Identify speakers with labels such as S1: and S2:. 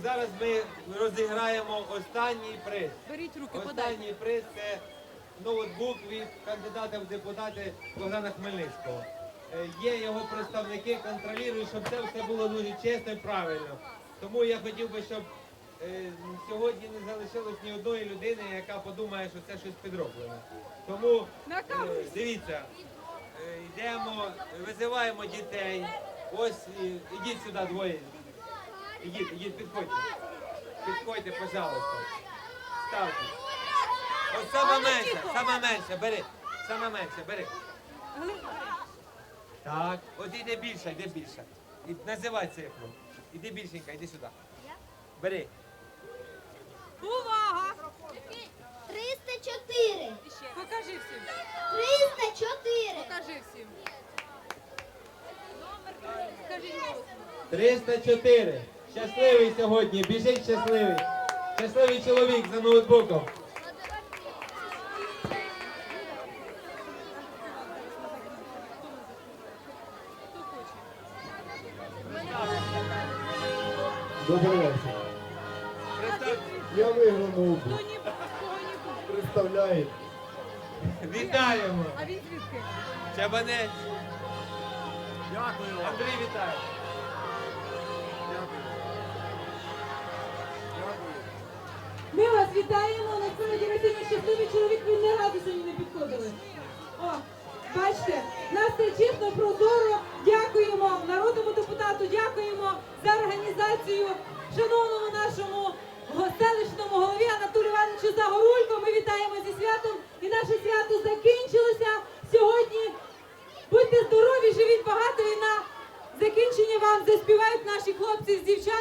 S1: зараз ми розіграємо останній приз.
S2: Беріть руки,
S1: Останній приз – це ноутбук від кандидата в депутати Богдана Хмельницького. Є його представники, контролюють, щоб це все було дуже чесно і правильно. Тому я хотів би, щоб сьогодні не залишилось ні одної людини, яка подумає, що це щось підроблене. Тому дивіться, йдемо, визиваємо дітей. Ось, ідіть сюди двоє. Ідіть, підходьте. Підходьте, пожалуйста. Ставте. Ось саме менше, бери. Саме менше, бери. Так, от іде більше. Називай цифру. Іди більшенька, іди сюди. Бери.
S2: Увага!
S3: 304.
S2: Покажи всім.
S3: 304.
S2: Покажи всім. Скажіть голосно.
S1: 304. Щасливий сьогодні, біжить щасливий. Щасливий чоловік за ноутбуком.
S2: Хто хоче?
S4: Добрий вечір. Я виграв ноутбук.
S2: Хто ні, кого нікого.
S4: Представляєте?
S1: Вітаємо.
S2: А він звідки?
S1: Чабанець. Дякую. Андрій, вітаю.
S5: Ми вас вітаємо, насправді ви сьогодні щасливий чоловік, ви не раді сьогодні не підходили. О, бачите, нас це чесно, прозоро, дякуємо народному депутату, дякуємо за організацію шановному нашому селищному голові Анатолію Івановичу Загорулько. Ми вітаємо зі святом і наше свято закінчилося сьогодні. Будьте здорові, живіть багато і на закінчення вам заспівають наші хлопці з дівчат.